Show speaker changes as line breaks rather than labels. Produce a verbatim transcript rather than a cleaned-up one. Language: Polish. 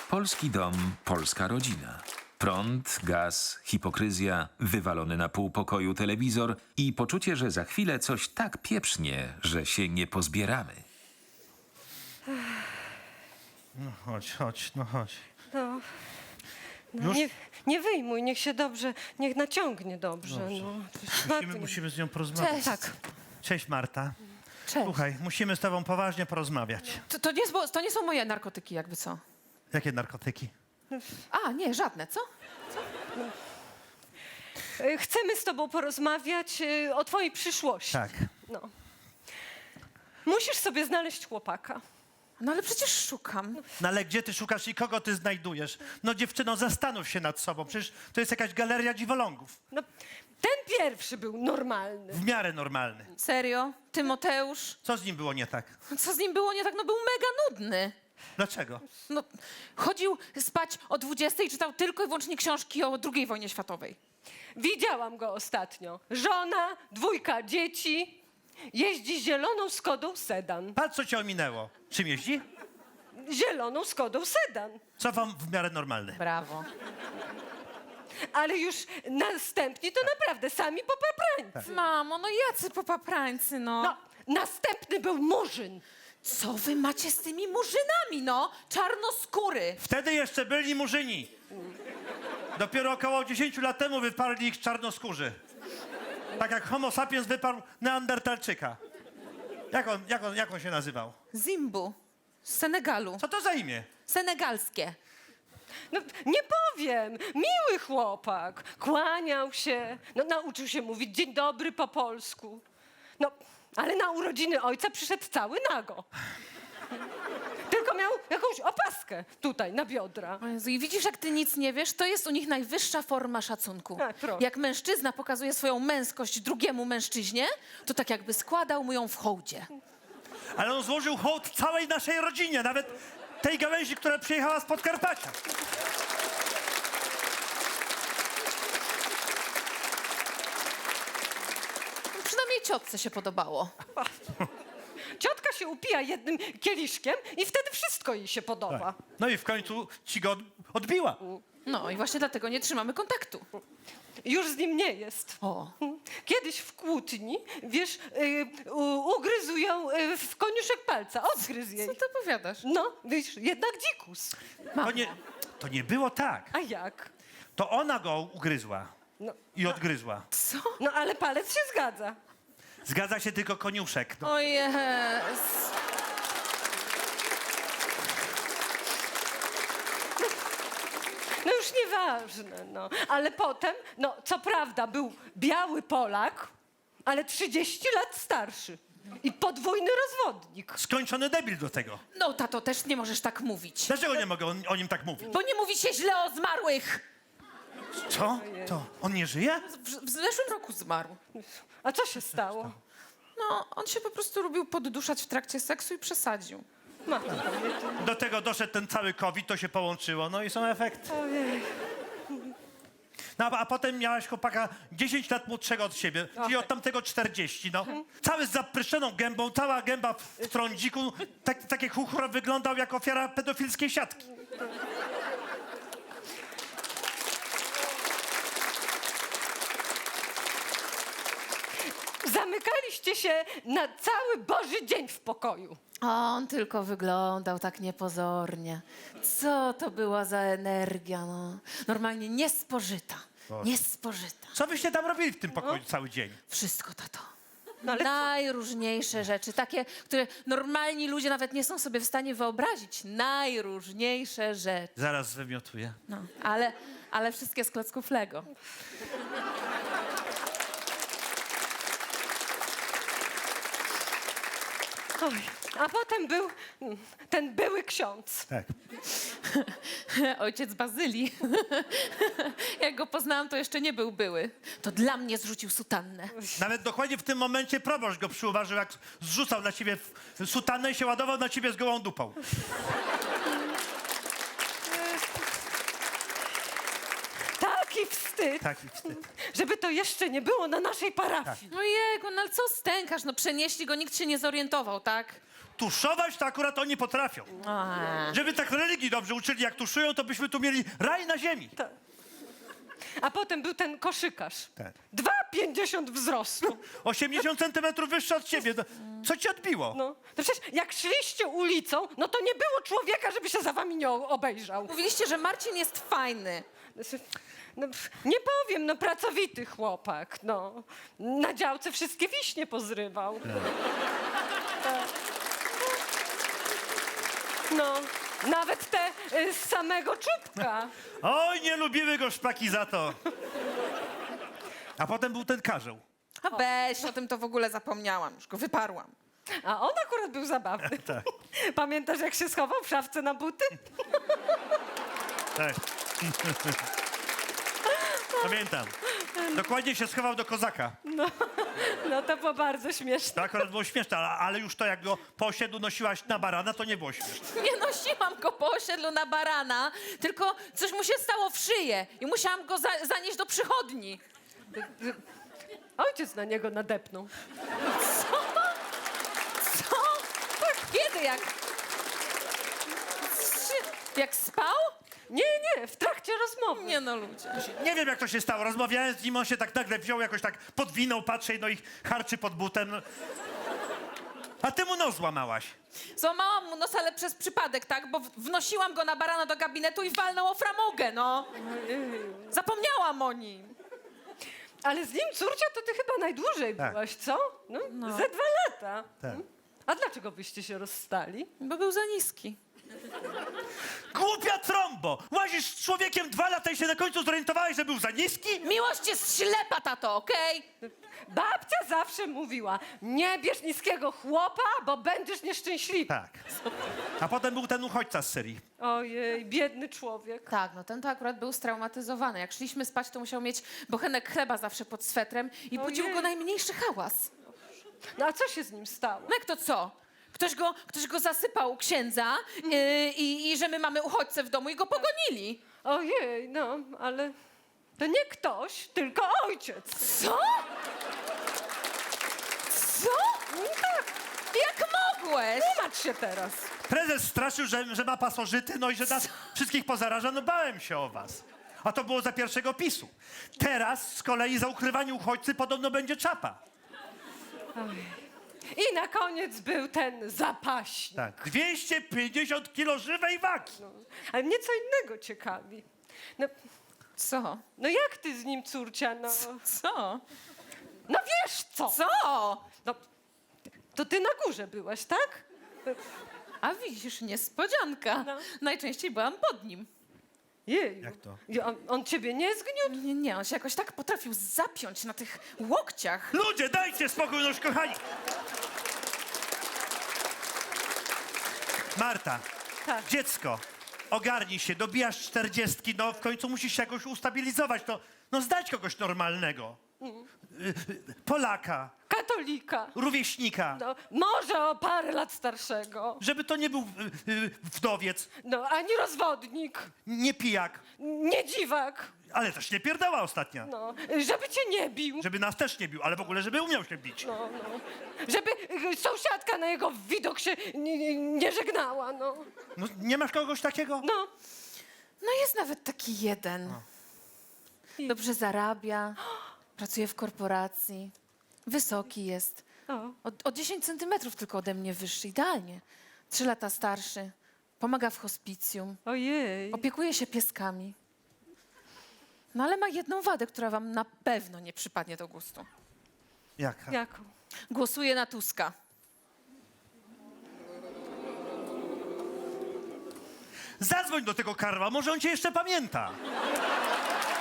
Polski dom, polska rodzina. Prąd, gaz, hipokryzja, wywalony na pół pokoju telewizor i poczucie, że za chwilę coś tak pieprznie, że się nie pozbieramy.
No chodź, chodź, no chodź.
No, no
Już?
nie, nie wyjmuj, niech się dobrze, niech naciągnie dobrze.
Dobrze.
No.
Musimy, musimy z nią porozmawiać.
Cześć.
Tak.
Cześć, Marta.
Cześć.
Słuchaj, musimy z tobą poważnie porozmawiać.
To, to, nie, jest- bo- to nie są moje narkotyki, jakby co?
Jakie narkotyki?
A, nie, żadne, co?
Y, Chcemy z tobą porozmawiać y, o twojej przyszłości.
Tak.
No. Musisz sobie znaleźć chłopaka.
No ale przecież szukam.
No ale gdzie ty szukasz i kogo ty znajdujesz? No dziewczyno, zastanów się nad sobą. Przecież to jest jakaś galeria dziwolągów.
No, ten pierwszy był normalny.
W miarę normalny.
Serio? Tymoteusz?
Co z nim było nie tak?
Co z nim było nie tak? No był mega nudny.
Dlaczego?
No, chodził spać o dwudziestej i czytał tylko i wyłącznie książki o drugiej wojnie światowej.
Widziałam go ostatnio. Żona, dwójka dzieci. Jeździ zieloną Skodą Sedan.
Patrz, co cię ominęło. Czym jeździ?
Zieloną Skodą Sedan.
Co wam w miarę normalny?
Brawo.
Ale już następni to naprawdę sami popaprańcy.
Mamo, no jacy popaprańcy, no.
No, następny był Murzyn.
Co wy macie z tymi murzynami, no? Czarnoskóry.
Wtedy jeszcze byli murzyni. Dopiero około dziesięć lat temu wyparli ich czarnoskórzy. Tak jak homo sapiens wyparł neandertalczyka. Jak on, jak on, jak on się nazywał?
Zimbu. Z Senegalu.
Co to za imię?
Senegalskie.
No, nie powiem. Miły chłopak. Kłaniał się. No, nauczył się mówić dzień dobry po polsku. No, ale na urodziny ojca przyszedł cały nago. Tylko miał jakąś opaskę tutaj na biodra.
O Jezu, i widzisz, jak ty nic nie wiesz? To jest u nich najwyższa forma szacunku.
Tak, proszę.
Jak mężczyzna pokazuje swoją męskość drugiemu mężczyźnie, to tak jakby składał mu ją w hołdzie.
Ale on złożył hołd całej naszej rodzinie, nawet tej gałęzi, która przyjechała z Podkarpacia.
No, przynajmniej ciotce się podobało.
Ciotka się upija jednym kieliszkiem i wtedy wszystko jej się podoba.
No i w końcu ci go od- odbiła.
No i właśnie dlatego nie trzymamy kontaktu.
Już z nim nie jest.
O.
Kiedyś w kłótni, wiesz, y, u, ugryzł ją y, w koniuszek palca, odgryzł jej.
Co ty opowiadasz?
No, wiesz, jednak dzikus.
To nie, to nie było tak.
A jak?
To ona go ugryzła
No,
i odgryzła.
Co?
no ale palec się zgadza.
Zgadza się tylko koniuszek. No.
O jest.
No już nieważne, no. Ale potem, no co prawda był biały Polak, ale trzydzieści lat starszy. I podwójny rozwodnik.
Skończony debil do tego.
No, tato, też nie możesz tak mówić.
Dlaczego nie mogę o, o nim tak mówić?
Bo nie mówi się źle o zmarłych.
Co? To on nie żyje?
W, w zeszłym roku zmarł.
A co się stało?
No, on się po prostu lubił podduszać w trakcie seksu i przesadził.
Matko,
Do tego doszedł ten cały COVID, to się połączyło, no i są efekty.
ojej.
No, a, a potem miałaś chłopaka dziesięć lat młodszego od siebie, czyli od tamtego czterdzieści, no. Cały z zapryszczoną gębą, cała gęba w, w trądziku, tak, takie chuchro wyglądał jak ofiara pedofilskiej siatki.
Zamykaliście się na cały Boży dzień w pokoju.
A on tylko wyglądał tak niepozornie. Co to była za energia, no. Normalnie niespożyta. Niespożyta.
Co wyście tam robili w tym pokoju cały dzień?
Wszystko, tato.
No ale co?
Najróżniejsze rzeczy, takie, które normalni ludzie nawet nie są sobie w stanie wyobrazić. Najróżniejsze rzeczy.
Zaraz wymiotuję.
No, ale, ale wszystkie z klocków Lego.
Oj. A potem był mm, ten były ksiądz.
Tak.
Ojciec Bazylii. Jak go poznałam, to jeszcze nie był były. To dla mnie zrzucił sutannę.
Nawet dokładnie w tym momencie proboszcz go przyuważył, jak zrzucał na ciebie w- sutannę i się ładował na ciebie z gołą dupą.
Taki wstyd,
Taki wstyd.
żeby to jeszcze nie było na naszej parafii.
Ojejku, no ale co stękasz? No przenieśli go, nikt się nie zorientował, tak?
tuszować to akurat oni potrafią.
A,
Żeby tak religii dobrze uczyli, jak tuszują, to byśmy tu mieli raj na ziemi.
A potem był ten koszykarz.
Tak.
dwa pięćdziesiąt wzrostu.
osiemdziesiąt centymetrów wyższy od ciebie. No, co ci odbiło?
No, to przecież jak szliście ulicą, no to nie było człowieka, żeby się za wami nie o- obejrzał.
mówiliście, że Marcin jest fajny.
No, pff, nie powiem, no pracowity chłopak, no. Na działce wszystkie wiśnie pozrywał. Tak. No, nawet te y, z samego czubka.
Oj, nie lubiły go szpaki za to. A potem był ten karzeł.
A weź, o tym to w ogóle zapomniałam, już go wyparłam.
A on akurat był zabawny. Pamiętasz, jak się schował w szafce na buty?
Tak. Pamiętam. Dokładnie się schował do kozaka.
No to było bardzo śmieszne.
To akurat było śmieszne, ale, ale już to jak go po osiedlu nosiłaś na barana, to nie było śmieszne.
Nie nosiłam go po osiedlu na barana, tylko coś mu się stało w szyję i musiałam go za zanieść do przychodni.
Ojciec na niego nadepnął.
Co? Kiedy? Jak... Jak spał?
Nie, nie, w trakcie rozmowy.
Nie no, ludzie.
Nie wiem, jak to się stało. Rozmawiałem z nim, on się tak nagle wziął, jakoś tak podwinął, patrzy, no i harczy pod butem. No. A ty mu nos złamałaś.
Złamałam mu nos, ale przez przypadek, tak? Bo w- wnosiłam go na barana do gabinetu i walnął o framugę, no. Zapomniałam o nim.
Ale z nim, córcia, to ty chyba najdłużej
Tak.
byłaś, co? No, ze dwa lata.
Tak.
A dlaczego byście się rozstali?
Bo był za niski.
Głupia trombo! Łazisz z człowiekiem dwa lata i się na końcu zorientowałeś, że był za niski?
Miłość jest ślepa, tato, okej?
Babcia zawsze mówiła, nie bierz niskiego chłopa, bo będziesz nieszczęśliwy.
Tak. A potem był ten uchodźca z Syrii.
Ojej, biedny człowiek.
Tak, no ten to akurat był straumatyzowany. Jak szliśmy spać, to musiał mieć bochenek chleba zawsze pod swetrem i budził
Ojej.
go najmniejszy hałas.
No a co się z nim stało?
No jak to co? Ktoś go, ktoś go zasypał u księdza yy, i, i że my mamy uchodźcę w domu i go pogonili.
Ojej, no, ale to nie ktoś, tylko ojciec.
Co? Co?
Tak,
Jak mogłeś?
tłumacz się teraz.
Prezes straszył, że, że ma pasożyty, no i że nas wszystkich pozaraża. No bałem się o was. A to było za pierwszego PiSu. Teraz z kolei za ukrywanie uchodźcy podobno będzie czapa.
I na koniec był ten zapaśnik.
Tak. dwieście pięćdziesiąt kilo żywej wagi.
Ale mnie co innego ciekawi. No,
Co?
no jak ty z nim, córcia, no...
Co?
No wiesz co?
Co?
No, to ty na górze byłaś, tak?
A widzisz, niespodzianka.
No.
Najczęściej byłam pod nim.
Jej.
Jak to?
I On, on ciebie nie zgniótł?
Nie, nie, on się jakoś tak potrafił zapiąć na tych łokciach.
Ludzie, dajcie spokój, noż kochani. Marta,
Tak.
dziecko, ogarnij się, dobijasz czterdziestki, no w końcu musisz się jakoś ustabilizować, no, no zdać kogoś normalnego. Y, y, Polaka,
Katolika.
rówieśnika,
No, może o parę lat starszego.
żeby to nie był y, y, wdowiec,
No, ani rozwodnik,
nie pijak,
nie dziwak.
ale też nie pierdała ostatnia.
No, żeby cię nie bił.
Żeby nas też nie bił, ale w ogóle, żeby umiał się bić.
No, no. Żeby y, sąsiadka na jego widok się nie, nie, nie żegnała, no.
No, nie masz kogoś takiego?
No,
No jest nawet taki jeden. Dobrze zarabia, pracuje w korporacji, wysoki jest.
o.
O, o dziesięć centymetrów tylko ode mnie wyższy, idealnie. Trzy lata starszy, pomaga w hospicjum,
Ojej.
opiekuje się pieskami. No ale ma jedną wadę, która wam na pewno nie przypadnie do gustu.
Jaka?
Jaką?
Głosuje na Tuska.
Zadzwoń do tego Karła, może on cię jeszcze pamięta.